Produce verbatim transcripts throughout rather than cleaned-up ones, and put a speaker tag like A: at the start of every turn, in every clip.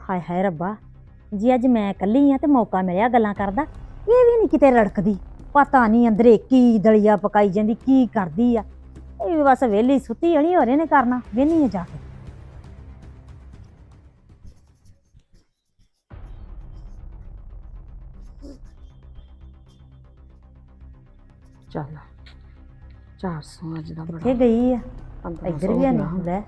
A: ਹਾਏ ਹਾਏ ਰੱਬਾ, ਜੀ ਅੱਜ ਮੈਂ ਇਕੱਲੀ ਆ ਤੇ ਮੌਕਾ ਮਿਲਿਆ ਗੱਲਾਂ ਕਰਦਾ। ਇਹ ਵੀ ਨਹੀਂ ਕਿਤੇ ਰੜਕਦੀ, ਪਤਾ ਨਹੀਂ ਅੰਦਰੇ ਕੀ ਦਲੀਆ ਪਕਾਈ ਜਾਂਦੀ, ਕੀ ਕਰਦੀ ਆ। ਇਹ ਵੀ ਬਸ ਵਿਹਲੀ ਸੁੱਤੀ ਹੋਣੀ, ਹੋਰ ਇਹਨੇ ਕਰਨਾ, ਵਿਹਨੀ ਆ ਜਾ ਕੇ।
B: ਚੱਲ ਚਾਰ ਸੌ ਅੱਜ ਦਾ
A: ਕਿੱਥੇ
B: ਬੜਾ
A: ਗਈ ਆ?
B: ਪੰਦਰਾਂ
A: ਇੱਧਰ
B: ਸੌ
A: ਵੀ
B: ਹੋ
A: ਨਹੀਂ
B: ਗਿਆ।
A: ਹੁੰਦਾ।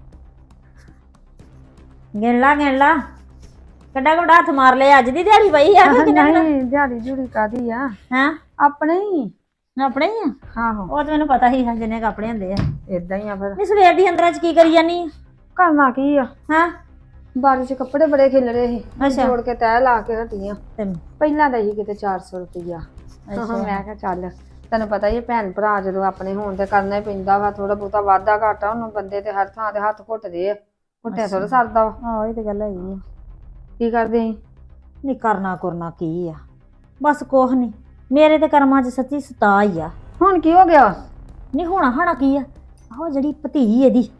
A: ਗਿਣ ਲਾ ਗਿਣ ਲਾ, ਕਿੱਡਾ ਕੁ ਹੱਥ ਮਾਰ ਲਿਆ। ਅੱਜ ਦੀ ਦਿਹਾੜੀ ਪਈ ਆ ਕਿ ਕਿੰਨੇ ਦਿਨ?
B: ਨਹੀਂ ਦਿਹਾੜੀ ਜੁੜੀ ਕਾਦੀ ਆ,
A: ਹਾਂ
B: ਆਪਣੇ ਹੀ
A: ਆਪਣੇ ਹੀ ਆ।
B: ਆਹੋ
A: ਉਹ ਤਾਂ ਮੈਨੂੰ ਪਤਾ ਹੀ ਜਿੰਨੇ ਕੱਪੜੇ ਹੁੰਦੇ ਆ।
B: ਇਦਾਂ ਹੀ ਆ ਫਿਰ।
A: ਨਹੀਂ ਸਵੇਰ ਦੀ ਅੰਦਰਾਂ ਚ ਕੀ ਕਰੀ ਜਾਨੀ ਆ?
B: ਕਰਨਾ ਕੀ ਆ,
A: ਹਾਂ
B: ਬਾਰਿਸ਼ ਚ ਕੱਪੜੇ ਬੜੇ ਖਿਲ ਰਹੇ ਸੀ,
A: ਅੱਛਾ।
B: ਜੋੜ ਕੇ ਤੈਅ ਲਾ ਕੇ ਹਟੀਆਂ।
A: ਤੈਨੂੰ
B: ਪਹਿਲਾਂ ਤਾਂ ਹੀ ਕਿਤੇ ਚਾਰ ਸੌ ਰੁਪਈਆ। ਮੈਂ ਕਿਹਾ ਚੱਲ ਤੈਨੂੰ ਪਤਾ ਹੀ ਭੈਣ ਭਰਾ ਜਦੋਂ ਆਪਣੇ ਹੋਣ ਤੇ ਕਰਨਾ ਹੀ ਪੈਂਦਾ ਵਾ, ਥੋੜਾ ਬਹੁਤਾ ਵਾਧਾ ਘਾਟਾ। ਹੁਣ ਬੰਦੇ ਤੇ ਹਰ ਥਾਂ ਤੇ ਹੱਥ ਘੁੱਟਦੇ ਆ, ਘੁੱਟਿਆ ਥੋੜਾ ਸਰਦਾ ਵਾ।
A: ਆਹੋ ਇਹ ਤੇ ਗੱਲ ਹੈਗੀ ਆ।
B: ਕੀ ਕਰਦੇ ਸੀ?
A: ਨਹੀਂ ਕਰਨਾ ਕਰਨਾ ਕੀ ਆ, ਬਸ ਕੁਛ ਨਹੀਂ। ਮੇਰੇ ਤੇ ਕਰਮਾਂ 'ਚ ਸੱਚੀ ਸਤਾ ਹੀ ਆ।
B: ਹੁਣ ਕੀ ਹੋ ਗਿਆ?
A: ਨਹੀਂ ਹੋਣਾ ਹੋਣਾ ਕੀ ਆ, ਆਹੋ ਜਿਹੜੀ ਭਤੀ ਇਹਦੀ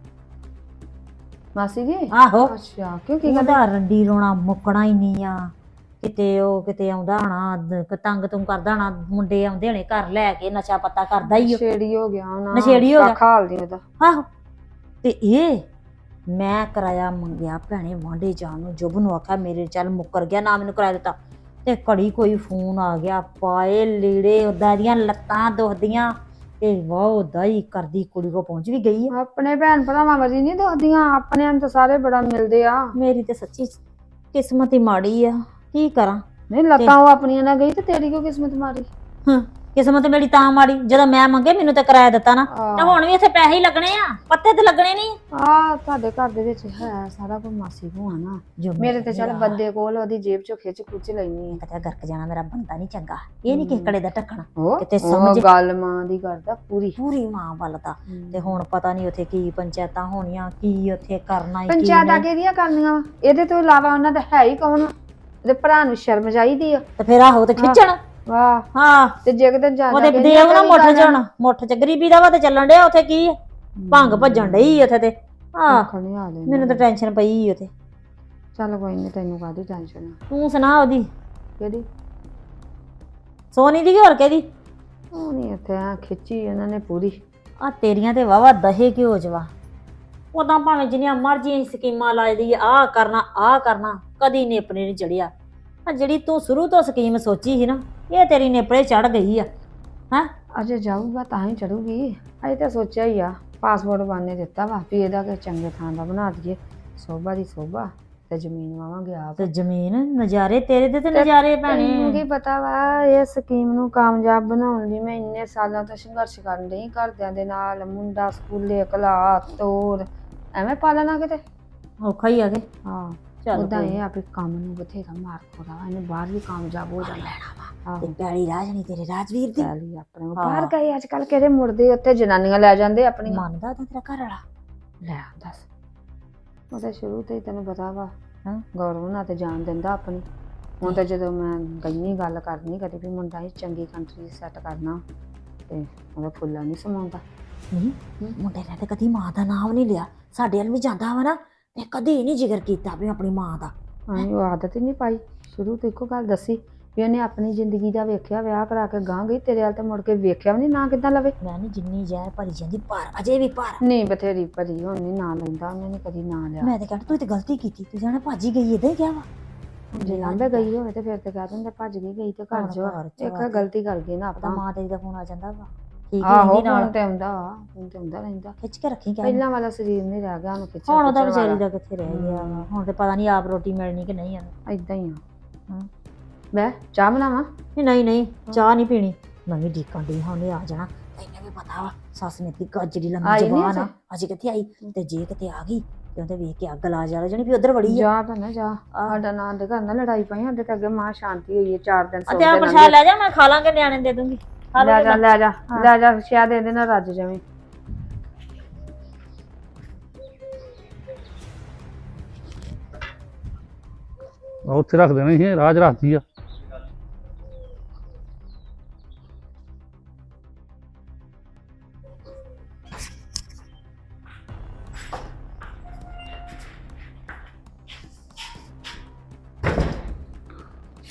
B: ਮਾਸੀ ਜੀ?
A: ਆਹੋ
B: ਅੱਛਾ, ਕਿਉਂ ਕੀ ਗੱਲ?
A: ਉਹਦਾ ਰੰਡੀ ਰੋਣਾ ਮੁੱਕਣਾ ਹੀ ਨਹੀਂ ਆ। ਕਿਤੇ ਉਹ ਕਿਤੇ ਆਉਂਦਾ ਹੋਣਾ, ਤੰਗ ਤੁੰਗ ਕਰਦਾ ਹੋਣਾ, ਮੁੰਡੇ ਆਉਂਦੇ ਹੋਣੇ ਘਰ ਲੈ ਕੇ, ਨਸ਼ਾ ਪੱਤਾ ਕਰਦਾ ਹੀ।
B: ਨਸ਼ੇੜੀ ਹੋ ਗਿਆ ਨਾ,
A: ਨਸ਼ੇੜੀ ਹੋ ਗਿਆ।
B: ਖਾਲਦੀ ਉਹਦਾ।
A: ਆਹੋ ਤੇ ਇਹ ਮੈਂ ਕਿਰਾਇਆ ਮੰਗਿਆ ਭੈਣੇ ਵਾਂਢੇ ਜਾਣ ਨੂੰ, ਜੁਬ ਨੂੰ ਆਖਿਆ ਮੇਰੇ ਚੱਲ ਮੁੱਕਰ ਗਿਆ, ਨਾ ਮੈਨੂੰ ਕਿਰਾਇਆ ਦਿੱਤਾ। ਤੇ ਘੜੀ ਕੋਈ ਫੋਨ ਆ ਗਿਆ, ਪਾਏ ਲੀੜੇ ਉਦਾਂ ਦੀਆਂ ਲੱਤਾਂ ਦੁਖਦੀਆਂ ਤੇ ਵਾਹ ਦਾਈ ਕਰਦੀ ਕੁੜੀ ਕੋ ਪਹੁੰਚ ਵੀ ਗਈ ਆ।
B: ਆਪਣੇ ਭੈਣ ਭਰਾਵਾਂ ਵਰਗੀ ਨਹੀਂ ਦੋਦੀਆਂ, ਆਪਣੇ ਨੂੰ ਤਾਂ ਸਾਰੇ ਬੜਾ ਮਿਲਦੇ ਆ।
A: ਮੇਰੀ ਤੇ ਸੱਚੀ ਕਿਸਮਤ ਹੀ ਮਾੜੀ ਆ, ਕੀ ਕਰਾਂ।
B: ਨਹੀਂ ਲੱਤਾਂ ਉਹ ਆਪਣੀਆਂ ਨਾਲ ਗਈ ਤੇ ਤੇਰੀ ਕਿਉਂ ਕਿਸਮਤ ਮਾੜੀ?
A: ਹਾਂ ਕਿਸਮਤ ਮੇਰੀ ਤਾਂ ਮਾੜੀ ਜਦੋਂ ਮੈਂ ਮੰਗੇ ਮੈਨੂੰ ਤੇ ਕਿਰਾਇਆ ਦਿੱਤਾ ਨਾ, ਤੇ ਹੁਣ ਵੀ ਇੱਥੇ ਪੈਸੇ ਹੀ ਲੱਗਣੇ ਆ, ਪੱਤੇ ਤੇ ਲੱਗਣੇ ਨਹੀਂ।
B: ਆ ਤੁਹਾਡੇ ਘਰ ਦੇ ਵਿੱਚ ਹੈ ਸਾਰਾ ਕੁਝ ਮਾਸੀ ਕੋ ਆ ਨਾ। ਮੇਰੇ ਤੇ ਚੱਲ ਬੰਦੇ ਕੋਲ ਉਹਦੀ ਜੇਬ ਚੋਂ ਖਿੱਚ ਖੁੱਚ ਲੈਣੀ ਆ।
A: ਕਿਤੇ ਗਰਕ ਜਾਣਾ, ਮੇਰਾ ਬੰਦਾ ਨਹੀਂ ਚੰਗਾ, ਇਹ ਨਹੀਂ ਕਿਸੇ ਕੜੇ ਦਾ ਢੱਕਣਾ।
B: ਕਿਤੇ ਸਮਝ ਗੱਲ ਮਾਂ ਦੀ ਕਰਦਾ ਪੂਰੀ
A: ਪੂਰੀ ਮਾਂ ਵੱਲ ਦਾ। ਤੇ ਹੁਣ ਪਤਾ ਨਹੀਂ ਉੱਥੇ ਕੀ ਪੰਚਾਇਤਾਂ ਹੋਣੀਆਂ, ਕੀ ਉੱਥੇ ਕਰਨਾ ਹੀ।
B: ਪੰਚਾਇਤਾਂ ਕਿਹਦੀਆਂ ਕਰਨੀਆਂ ਵਾ? ਇਹਦੇ ਤੋਂ ਇਲਾਵਾ ਉਹਨਾਂ ਦਾ ਹੈ ਹੀ ਕੌਣ? ਇਹਦੇ ਭਰਾ ਨੂੰ ਸ਼ਰਮ ਚਾਹੀਦੀ ਆ।
A: ਤੇ ਫਿਰ ਆਹੋ ਤੇ ਖਿੱਚਣ।
B: ਵਾਹ
A: ਹਾਂ
B: ਤੇ ਜੇ ਕਿਤੇ ਜਾਂਦਾ
A: ਉਹਦੇ ਦੇਵ ਨਾ ਮੁੱਠ ਚ ਹੁਣ, ਮੁੱਠ ਚ ਗਰੀਬੀ ਦਾ ਵਾ ਤੇ ਚੱਲਣ ਡਿਆ ਉੱਥੇ। ਕੀ ਭੰਗ ਭੱਜਣ ਡਈ ਉੱਥੇ ਤੇ। ਆਹ ਮੈਨੂੰ ਤਾਂ ਟੈਨਸ਼ਨ ਪਈ ਉੱਥੇ।
B: ਚੱਲ ਕੋਈ ਨਹੀਂ, ਤੈਨੂੰ ਕਾਹਦੀ ਟੈਨਸ਼ਨ ਆ?
A: ਤੂੰ ਸੁਣਾ ਉਹਦੀ।
B: ਕਿਹਦੀ?
A: ਸੋਨੀ ਦੀ ਹੋਰ ਕਿਹਦੀ?
B: ਉਹ ਨਹੀਂ ਇੱਥੇ ਆ ਖਿੱਚੀ ਇਹਨਾਂ ਨੇ ਪੂਰੀ।
A: ਆ ਤੇਰੀਆਂ ਤੇ ਵਾਵਾ ਦਹੇ ਘਿਓ ਜਵਾ। ਉਦਾਂ ਭਾਵੇਂ ਜਿੰਨੀਆਂ ਮਰਜ਼ੀ ਸਕੀਮਾਂ ਲਾਇਦੀ, ਆਹ ਕਰਨਾ ਆਹ ਕਰਨਾ, ਕਦੀ ਨੇਪਰੇ ਨਹੀਂ ਚੜਿਆ। ਆ ਜਿਹੜੀ ਤੂੰ ਸ਼ੁਰੂ ਤੋਂ ਸਕੀਮ ਸੋਚੀ ਸੀ ਨਾ, ਇਹ ਤੇਰੀ ਨੇਪਰੇ ਚੜ ਗਈ ਆ। ਹੈਂ
B: ਅਜੇ ਜਾਊਗਾ ਤਾਂ ਹੀ ਚੜੂਗੀ। ਅਜੇ ਤਾਂ ਸੋਚਿਆ ਹੀ ਆ, ਪਾਸਪੋਰਟ ਬਾਨੇ ਦਿੱਤਾ ਵਾ ਵੀ ਇਹਦਾ ਕਿ ਚੰਗੇ ਥਾਂ ਦਾ ਬਣਾ ਦਈਏ, ਸੋਭਾ ਦੀ ਸੋਭਾ ਤੇ ਜ਼ਮੀਨ ਵਾਵਾਂਗੇ ਆਪ।
A: ਤੇ ਜ਼ਮੀਨ ਨਜ਼ਾਰੇ ਤੇਰੇ ਦੇ ਤੇ ਨਜ਼ਾਰੇ ਭੈਣੇ।
B: ਤੈਨੂੰ ਕੀ ਪਤਾ ਵਾ ਇਹ ਸਕੀਮ ਨੂੰ ਕਾਮਯਾਬ ਬਣਾਉਣ ਲਈ ਮੈਂ ਇੰਨੇ ਸਾਲਾਂ ਤੋਂ ਸੰਘਰਸ਼ ਕਰਨ ਡਈ ਘਰਦਿਆਂ ਦੇ ਨਾਲ। ਮੁੰਡਾ ਸਕੂਲੇ ਕਲਾ ਤੋਰ ਐਵੇਂ ਪਾਲਣਾ ਕਿਤੇ
A: ਔਖਾ ਹੀ ਆ ਕੇ।
B: ਹਾਂ
A: ਚੱਲ
B: ਉਦਾਂ ਇਹ ਆ ਵੀ ਕੰਮ ਨੂੰ ਬਥੇਰਾ ਮਾਰ ਖੋਦਾ ਵਾ, ਇਹਨੇ ਬਾਹਰ ਵੀ ਕਾਮਯਾਬ ਹੋ ਜਾਣਾ।
A: ਤੇ ਪੈਲੀ ਰਾਜਣੀ ਤੇਰੇ ਰਾਜਵੀਰ ਦੀ
B: ਪੈਲੀ ਆਪਣੇ ਬਾਹਰ ਗਏ ਅੱਜ ਕੱਲ ਕਿਹੜੇ ਮੁੜਦੇ, ਉੱਥੇ ਜਨਾਨੀਆਂ ਲੈ ਜਾਂਦੇ ਆਪਣੀਆਂ।
A: ਮੰਨਦਾ ਤਾਂ ਤੇਰਾ ਘਰ ਵਾਲਾ
B: ਲੈ ਦੱਸ, ਉਹ ਤਾਂ ਸ਼ੁਰੂ ਤੋਂ ਹੀ ਤੈਨੂੰ ਪਤਾ ਵਾ
A: ਹਾਂ
B: ਗੌਰਵ ਨਾਲ ਤੇ ਜਾਣ ਦਿੰਦਾ ਆਪਣੀ। ਹੁਣ ਤਾਂ ਜਦੋਂ ਮੈਂ ਗਈ ਗੱਲ ਕਰਨੀ ਕਦੇ ਵੀ ਮੁੰਡਾ ਹੀ ਚੰਗੀ ਕੰਟਰੀ ਸੈੱਟ ਕਰਨਾ ਤੇ ਉਹਦਾ ਫੁੱਲਾ ਨਹੀਂ ਸਮਾਉਂਦਾ।
A: ਨਹੀਂ ਮੁੰਡੇ ਨੇ ਤੇ ਕਦੀ ਮਾਂ ਦਾ ਨਾਮ ਨਹੀਂ ਲਿਆ, ਸਾਡੇ ਵੱਲ ਵੀ ਜਾਂਦਾ ਵਾ ਨਾ ਤੇ ਕਦੀ ਨਹੀਂ ਜ਼ਿਕਰ ਕੀਤਾ ਵੀ ਆਪਣੀ ਮਾਂ ਦਾ।
B: ਹਾਂ ਉਹ ਆਦਤ ਹੀ ਨਹੀਂ ਪਾਈ, ਸ਼ੁਰੂ ਤੋਂ ਇੱਕੋ ਗੱਲ ਦੱਸੀ ਵੀ ਉਹਨੇ ਆਪਣੀ ਜ਼ਿੰਦਗੀ ਦਾ ਵੇਖਿਆ, ਵਿਆਹ ਕਰਾ ਕੇ ਗਾਂ ਗਈ, ਤੇਰੇ ਵੱਲ ਤੇ ਮੁੜ ਕੇ ਵੇਖਿਆ ਵੀ ਨਹੀਂ, ਨਾ ਕਿੱਦਾਂ ਲਵੇ।
A: ਮੈਂ ਨਹੀਂ ਜਿੰਨੀ ਜਾਇ ਭਰੀ ਜਾਂਦੀ ਪਰ ਅਜੇ ਵੀ ਪਰ
B: ਨਹੀਂ ਬਥੇਰੀ ਭਰੀ, ਹੁਣ ਨਹੀਂ ਨਾਂ ਲੈਂਦਾ, ਉਹਨੇ ਨੀ ਕਦੀ ਨਾਂ ਲਿਆ।
A: ਮੈਂ ਤੇ ਕਹਿੰਦਾ ਤੂੰ ਤੇ ਗਲਤੀ ਕੀਤੀ, ਤੂੰ ਜਾਣੇ ਭਾਜੀ ਗਈ ਏਦਾਂ ਹੀ ਕਿਹਾ ਵਾ।
B: ਜੇ ਲਾਂਬੇ ਗਈ ਹੋਵੇ ਤੇ ਫਿਰ ਤੇ ਕਹਿ ਦਿੰਦੇ ਭੱਜ ਗਈ, ਗਈ ਤੇ ਘਰ ਜੋ ਇੱਕ ਗਲਤੀ ਕਰ ਗਈ ਨਾ ਆਪਾਂ।
A: ਮਾਂ ਤੇਰੀ ਦਾ ਫੋਨ ਆ ਜਾਂਦਾ ਵਾ, ਠੀਕ
B: ਆਹੋ
A: ਹੈ ਨਾਲ
B: ਤੇ ਆਉਂਦਾ ਵਾ, ਫੋਨ ਤੇ ਆਉਂਦਾ ਰਹਿੰਦਾ।
A: ਖਿੱਚ ਕੇ ਰੱਖੀ ਕਹਿ
B: ਪਹਿਲਾਂ ਵਾਲਾ ਸਰੀਰ ਨਹੀਂ ਰਹਿ ਗਿਆ ਉਹਨੂੰ ਖਿੱਚਣ।
A: ਹੁਣ ਉਹਦਾ ਵਿਚਾਰੀ ਦਾ ਕਿੱਥੇ ਰਹਿ ਗਿਆ ਵਾ, ਹੁਣ ਤੇ ਪਤਾ ਨਹੀਂ ਆਪ ਰੋਟੀ ਮਿਲਣੀ ਕਿ ਨਹੀਂ।
B: ਏਦਾਂ ਹੀ ਆ। ਮੈਂ ਚਾਹ ਬਣਾਵਾਂ?
A: ਨਹੀਂ ਨਹੀਂ ਨਹੀਂ ਚਾਹ ਨਹੀਂ ਪੀਣੀ, ਮੈਂ ਵੀ ਡੀਕਣ ਦੀ ਹਾਂ ਉਹਨੇ ਆ ਜਾਣਾ। ਤੈਨੂੰ ਵੀ ਪਤਾ ਵਾ ਸੱਸ ਨੇ ਦੀ ਗੱਜੜੀ ਲੰਮੀ ਜ਼ਬਾਨ ਆ, ਅਜੇ ਕਿੱਥੇ ਆਈ ਤੇ ਜੇ ਕਿਤੇ ਆ ਗਈ ਤੇ ਉਹਦੇ ਵੇਖ ਕੇ ਅੱਗ ਲਾ ਜਾ ਜਣੀ ਵੀ ਉਧਰ ਵੜੀ
B: ਜਾ ਭੈਣਾ ਜਾ। ਸਾਡਾ ਨਾਂ ਦੇ ਘਰ ਨਾਲ ਲੜਾਈ ਪਈ, ਸਾਡੇ ਤੇ ਅੱਗੇ ਮਾਂ ਸ਼ਾਂਤੀ ਹੋਈ ਹੈ ਚਾਰ ਦਿਨ ਸੌ
A: ਤੇ ਆ ਪ੍ਰਸ਼ਾਦ ਲੈ ਜਾ, ਮੈਂ ਖਾ ਲਾਂਗੇ, ਨਿਆਣੇ ਦੇ ਦੂੰਗੀ।
B: ਲੈ ਜਾ ਲੈ ਜਾ ਲੈ ਜਾ, ਸ਼ਾਇਦ ਇਹਦੇ ਨਾਲ ਰੱਜ ਜਾਵੇਂ।
C: ਉੱਥੇ ਰੱਖ ਦੇਣੀ ਸੀ, ਰਾਜ ਰੱਖਦੀ ਆ।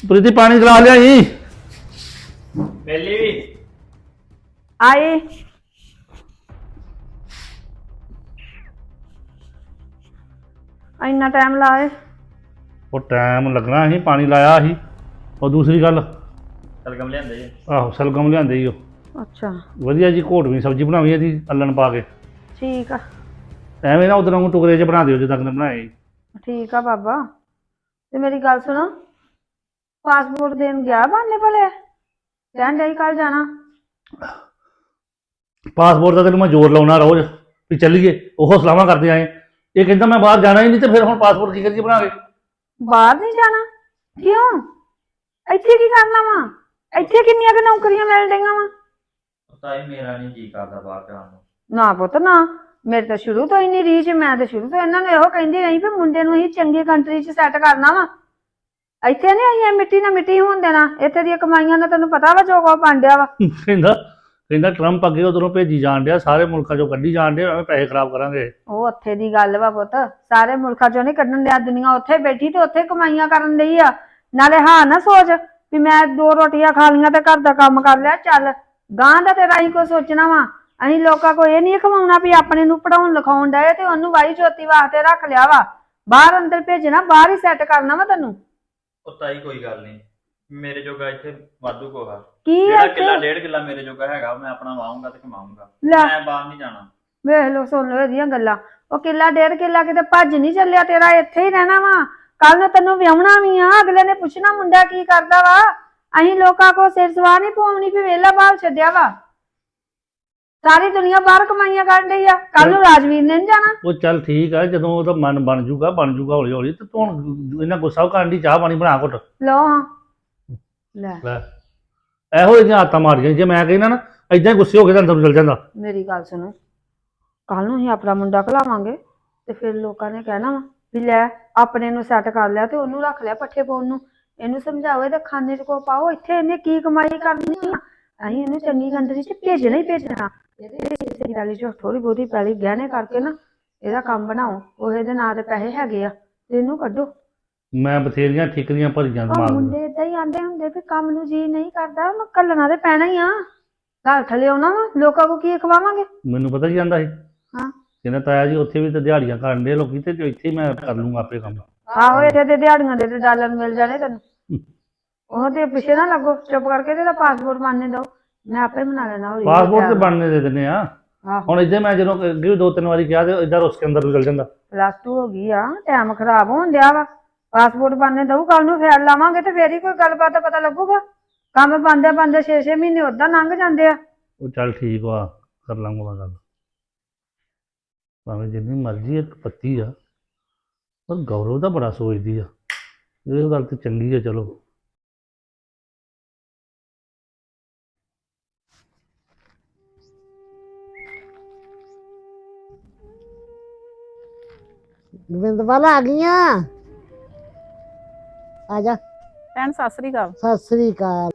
C: ਪ੍ਰੀਤੀ ਪਾਣੀ ਗਲਾ ਲਿਆਈ।
D: ਮੇਲੀ ਵੀ
B: ਆਏ ਇੰਨਾ ਟਾਈਮ ਲਾਏ।
C: ਉਹ ਟਾਈਮ ਲੱਗਣਾ ਸੀ, ਪਾਣੀ ਲਾਇਆ ਸੀ। ਉਹ ਦੂਸਰੀ ਗੱਲ,
D: ਸਲਗਮ ਲਿਆਂਦੇ ਜੀ।
C: ਆਹੋ ਸਲਗਮ ਲਿਆਂਦੇ ਹੀ ਉਹ
B: ਅੱਛਾ
C: ਵਧੀਆ ਜੀ ਘੋਟਵੀਂ ਸਬਜ਼ੀ ਬਣਾਵੀ ਇਹਦੀ ਅੱਲਣ ਪਾ ਕੇ।
B: ਠੀਕ ਆ
C: ਐਵੇਂ ਨਾ ਉਧਰੋਂ ਟੁਕੜੇ 'ਚ ਬਣਾ ਦਿਓ ਜਿੱਦਾਂ ਕਿ ਬਣਾਏ ਸੀ।
B: ਠੀਕ ਆ ਬਾਬਾ। ਤੇ ਮੇਰੀ ਗੱਲ ਸੁਣੋ, ਪਾਸਪੋਰਟ ਦੇਣ ਗਿਆ ਬਾਨੇ ਭਲੇ ਕਹਿਣ ਡਈ ਕੱਲ ਜਾਣਾ।
C: ਪਾਸਪੋਰਟ ਦਾ ਤੈਨੂੰ ਮੈਂ ਜ਼ੋਰ ਲਾਉਣਾ ਰੋਜ਼ ਵੀ ਚੱਲੀਏ, ਉਹ ਸਲਾਹਾਂ ਕਰਦੇ ਆਏ। ਇਹ ਕਹਿੰਦਾ ਮੈਂ ਬਾਹਰ ਜਾਣਾ ਹੀ ਨਹੀਂ, ਤੇ ਫਿਰ ਹੁਣ ਪਾਸਪੋਰਟ ਕੀ ਕਰੀਏ ਬਣਾ ਕੇ?
B: ਬਾਹਰ ਨਹੀਂ ਜਾਣਾ ਕਿਉਂ? ਇੱਥੇ ਕੀ ਕਰਨਾ ਵਾ? ਇੱਥੇ ਕਿੰਨੀਆਂ ਕੁ ਨੌਕਰੀਆਂ ਮਿਲ ਰਹੀਆਂ ਵਾ?
D: ਪਤਾ ਹੀ ਮੇਰਾ ਨਹੀਂ ਜੀ ਕਰਦਾ ਬਾਹਰ ਜਾਣ ਨੂੰ।
B: ਨਾ ਪੁੱਤ ਨਾ, ਮੇਰੇ ਤਾਂ ਸ਼ੁਰੂ ਤੋਂ ਹੀ ਨਹੀਂ ਰੀਚ। ਮੈਂ ਤਾਂ ਸ਼ੁਰੂ ਤੋਂ ਇਹਨਾਂ ਨੂੰ ਇਹੋ ਕਹਿੰਦੀ ਰਹੀ ਵੀ ਮੁੰਡੇ ਨੂੰ ਅਸੀਂ ਚੰਗੀ ਕੰਟਰੀ 'ਚ ਸੈੱਟ ਕਰਨਾ ਵਾ। ਇੱਥੇ ਨਹੀਂ ਅਸੀਂ ਮਿੱਟੀ ਨਾਲ ਮਿੱਟੀ ਹੋਣ ਦੇਣਾ। ਇੱਥੇ ਦੀਆਂ ਕਮਾਈਆਂ ਨਾਲ ਤੈਨੂੰ ਪਤਾ ਵਾ ਜੋ ਕੋ ਬਣ ਡਿਆ ਵਾ।
C: ਕਹਿੰਦਾ ਕਹਿੰਦਾ ਟਰੰਪ ਅੱਗੇ ਉਧਰੋਂ ਭੇਜੀ ਜਾਣ ਡਿਆ, ਸਾਰੇ ਮੁਲਕਾਂ 'ਚੋਂ ਕੱਢੀ ਜਾਣ ਡਿਆ, ਐਵੇਂ ਪੈਸੇ ਖਰਾਬ ਕਰਾਂਗੇ।
B: ਉਹ ਉੱਥੇ ਦੀ ਗੱਲ ਵਾ ਪੁੱਤ, ਸਾਰੇ ਮੁਲਕਾਂ 'ਚੋਂ ਨਹੀਂ ਕੱਢਣ ਡਿਆ। ਦੁਨੀਆ ਉੱਥੇ ਬੈਠੀ ਤੇ ਉੱਥੇ ਕਮਾਈਆਂ ਕਰਨ ਡਈ ਆ। ਨਾਲੇ ਹਾਂ ਨਾ ਸੋਚ ਵੀ ਮੈਂ ਦੋ ਰੋਟੀਆਂ ਖਾ ਲਈਆਂ ਤੇ ਘਰ ਦਾ ਕੰਮ ਕਰ ਲਿਆ। ਚੱਲ ਗਾਂ ਦਾ ਤੇਰਾ ਅਸੀਂ ਕੋਈ ਸੋਚਣਾ ਵਾ। ਅਸੀਂ ਲੋਕਾਂ ਕੋਲ ਇਹ ਨਹੀਂ ਖਵਾਉਣਾ ਵੀ ਆਪਣੇ ਨੂੰ ਪੜਾਉਣ ਲਿਖਾਉਣ ਡਏ ਤੇ ਉਹਨੂੰ ਵਾਈ ਜੋਤੀ ਵਾਸਤੇ ਰੱਖ ਲਿਆ ਵਾ। ਬਾਹਰ ਅੰਦਰ ਭੇਜਣਾ, ਬਾਹਰ ਹੀ ਸੈੱਟ ਕਰਨਾ ਵਾ ਤੈਨੂੰ।
D: ਉਹ ਤਾਈ ਕੋਈ ਗੱਲ ਨਹੀਂ, ਮੇਰੇ ਜੋਗਾ ਇੱਥੇ ਵਾਧੂ ਕੋਹਾ।
B: ਕੀ
D: ਜਿਹੜਾ
B: ਆ
D: ਕਿੱਲਾ
B: ਇੱਥੇ?
D: ਡੇਢ ਕਿੱਲਾ ਮੇਰੇ ਜੋਗਾ ਹੈਗਾ, ਮੈਂ ਆਪਣਾ ਵਾਹੂੰਗਾ ਤੇ ਕਮਾਊਂਗਾ।
B: ਲੈ
D: ਮੈਂ ਬਾਹਰ ਨਹੀਂ ਜਾਣਾ।
B: ਵੇਖ ਲੋ, ਸੁਣ ਲੋ ਇਹਦੀਆਂ ਗੱਲਾਂ। ਉਹ ਕਿੱਲਾ ਡੇਢ ਕਿੱਲਾ ਕਿਤੇ ਭੱਜ ਨਹੀਂ ਚੱਲਿਆ ਤੇਰਾ, ਇੱਥੇ ਹੀ ਰਹਿਣਾ ਵਾ। ਕੱਲ ਨੂੰ ਤੈਨੂੰ ਵਿਆਹੁਣਾ ਵੀ ਆ, ਅਗਲੇ ਨੇ ਪੁੱਛਣਾ ਮੁੰਡਾ ਕੀ ਕਰਦਾ ਵਾ। ਅਸੀਂ ਲੋਕਾਂ ਕੋ ਸਿਰ ਸਵਾਹ ਨਹੀਂ ਪਵਾਉਣੀ ਵੀ ਵੇਲਾ ਬਾਹਰ ਛੱਡਿਆ ਵਾ। ਸਾਰੀ ਦੁਨੀਆ ਬਾਹਰ ਕਮਾਈਆਂ ਕਰਨ ਡਈ ਆ। ਕੱਲ ਨੂੰ ਰਾਜਵੀਰ ਨੇ ਨੀ ਜਾਣਾ।
C: ਉਹ ਚੱਲ ਠੀਕ ਆ, ਜਦੋਂ ਉਹਦਾ ਮਨ ਬਣ ਜੂਗਾ ਬਣ ਜੂਗਾ ਹੌਲੀ ਹੌਲੀ। ਤੇ ਤੂੰ ਹੁਣ ਇਹਨਾਂ ਗੁੱਸਾ ਕਰਨ ਦੀ ਚਾਹ ਪਾਣੀ ਬਣਾ ਘੁੱਟ
B: ਲੋ ਹਾਂ ਲੈ
C: ਲੈ। ਇਹੋ ਜਿਹੀਆਂ ਆਦਤਾਂ ਮਾਰੀਆਂ, ਜੇ ਮੈਂ ਕਹਿੰਦਾ ਨਾ ਏਦਾਂ ਹੀ ਗੁੱਸੇ ਹੋ ਕੇ ਤਾਂ ਅੰਦਰ ਨੂੰ ਚਲ ਜਾਂਦਾ।
B: ਮੇਰੀ ਗੱਲ ਸੁਣੋ, ਕੱਲ ਨੂੰ ਅਸੀਂ ਆਪਣਾ ਮੁੰਡਾ ਘਲਾਵਾਂਗੇ ਤੇ ਫਿਰ ਲੋਕਾਂ ਨੇ ਕਹਿਣਾ ਵਾ ਵੀ ਲੈ ਆਪਣੇ ਨੂੰ ਸੈੱਟ ਕਰ ਲਿਆ ਤੇ ਉਹਨੂੰ ਰੱਖ ਲਿਆ ਪੱਠੇ ਪਾਉਣ ਨੂੰ। ਇਹਨੂੰ ਸਮਝਾਓ ਇਹਦੇ ਖਾਨੇ 'ਚ ਕੋ ਪਾਓ। ਇੱਥੇ ਇਹਨੇ ਕੀ ਕਮਾਈ ਕਰਨੀ ਆ? ਅਸੀਂ ਇਹਨੂੰ ਚੰਗੀ ਕੰਟਰੀ 'ਚ ਭੇਜਣਾ ਹੀ ਭੇਜਣਾ। ਇਹਦੇ ਪੈਲੀ 'ਚ ਥੋੜੀ ਬਹੁਤੀ ਪੈਲੀ ਗਹਿਣੇ ਕਰਕੇ ਨਾ ਇਹਦਾ ਕੰਮ ਬਣਾਓ। ਉਹ ਇਹਦੇ ਨਾਂ ਦੇ ਪੈਸੇ ਹੈਗੇ ਆ ਤੇ ਇਹਨੂੰ ਕੱਢੋ।
C: ਮੈਂ ਬਥੇਰੀਆਂ ਠਿਕਰੀਆਂ ਭਰੀਆਂ
B: ਉਹ
C: ਦਿਮਾਗ ਨੂੰ।
B: ਮੁੰਡੇ ਏਦਾਂ ਹੀ ਆਂਦੇ ਹੁੰਦੇ ਵੀ ਕੰਮ ਨੂੰ ਜੀ ਨਹੀਂ ਕਰਦਾ, ਉਹਨੂੰ ਘੱਲਣਾ ਤੇ ਪੈਣਾ ਹੀ ਆ। ਘਰ ਥੱਲੇ ਆਉਣਾ ਵਾ, ਲੋਕਾਂ ਕੋ ਕੀ ਖਵਾਵਾਂਗੇ?
C: ਮੈਨੂੰ ਪਤਾ ਕੀ ਜਾਂਦਾ ਸੀ,
B: ਹਾਂ
C: ਕਹਿੰਦਾ ਤਾਇਆ ਜੀ ਉੱਥੇ ਵੀ ਤਾਂ ਦਿਹਾੜੀਆਂ ਕਰਨ ਦੇ ਲੋਕੀ, ਤੇ ਇੱਥੇ ਹੀ ਮੈਂ ਕਰ ਲੂੰਗਾ ਆਪੇ ਕੰਮ।
B: ਆਹੋ ਇੱਥੇ ਤੇ ਦਿਹਾੜੀਆਂ ਦੇ ਤੇ ਡਾਲਰ ਮਿਲ ਜਾਣੇ ਤੈਨੂੰ। ਉਹ ਤੇ ਪਿੱਛੇ ਨਾ ਲੱਗੋ, ਚੁੱਪ ਕਰਕੇ ਤੇ ਪਾਸਪੋਰਟ ਬਣਨੇ ਦੋ, ਮੈਂ ਆਪੇ ਬਣਾ ਲੈਣਾ। ਹੌਲੀ ਹੌਲੀ
C: ਪਾਸਪੋਰਟ ਤੇ
B: time
C: ਬਣਨੇ ਦੇ ਦਿੰਦੇ ਆ।
B: ਆਹੋ
C: ਹੁਣ ਇੱਥੇ ਮੈਂ ਜਦੋਂ ਅੱਗੇ ਵੀ ਦੋ ਤਿੰਨ ਵਾਰੀ ਕਿਹਾ ਤੇ ਇੱਧਰ ਉਸ ਕੇ ਅੰਦਰ ਨੂੰ ਚਲ ਜਾਂਦਾ।
B: ਪਲੱਸ ਟੂ ਹੋ ਗਈ ਆ, ਟਾਈਮ ਖਰਾਬ ਹੋਣ ਡਿਆ ਵਾ। ਪਾਸਪੋਰਟ ਬਣਨੇ ਦਊ, ਕੱਲ ਨੂੰ ਫੇਰ ਲਾਵਾਂਗੇ ਤੇ ਫੇਰ ਹੀ ਕੋਈ ਗੱਲਬਾਤ ਦਾ ਪਤਾ ਲੱਗੂਗਾ। ਕੰਮ ਬੰਦੇ ਬੰਦੇ ਛੇ ਛੇ ਮਹੀਨੇ ਓਦਾਂ ਲੰਘ ਜਾਂਦੇ ਆ।
C: ਉਹ ਚੱਲ ਠੀਕ ਵਾ, ਕਰ ਲਾਂਗਾ ਮੈਂ ਗੱਲ। ਭਾਵੇਂ ਜਿੰਨੀ ਮਰਜ਼ੀ ਇੱਕ ਪੱਤੀ ਆ, ਪਰ ਗੌਰਵ ਦਾ ਬੜਾ ਸੋਚਦੀ ਆ। ਇਹ ਗੱਲ ਤੇ ਚੰਗੀ ਆ। ਚਲੋ
E: ਗੋਬਿੰਦਪਾਲ ਆ ਗਈਆਂ। ਆ ਜਾ।
F: ਭੈਣ ਸਤਿ ਸ੍ਰੀ ਅਕਾਲ।
E: ਸਤਿ ਸ੍ਰੀ ਅਕਾਲ।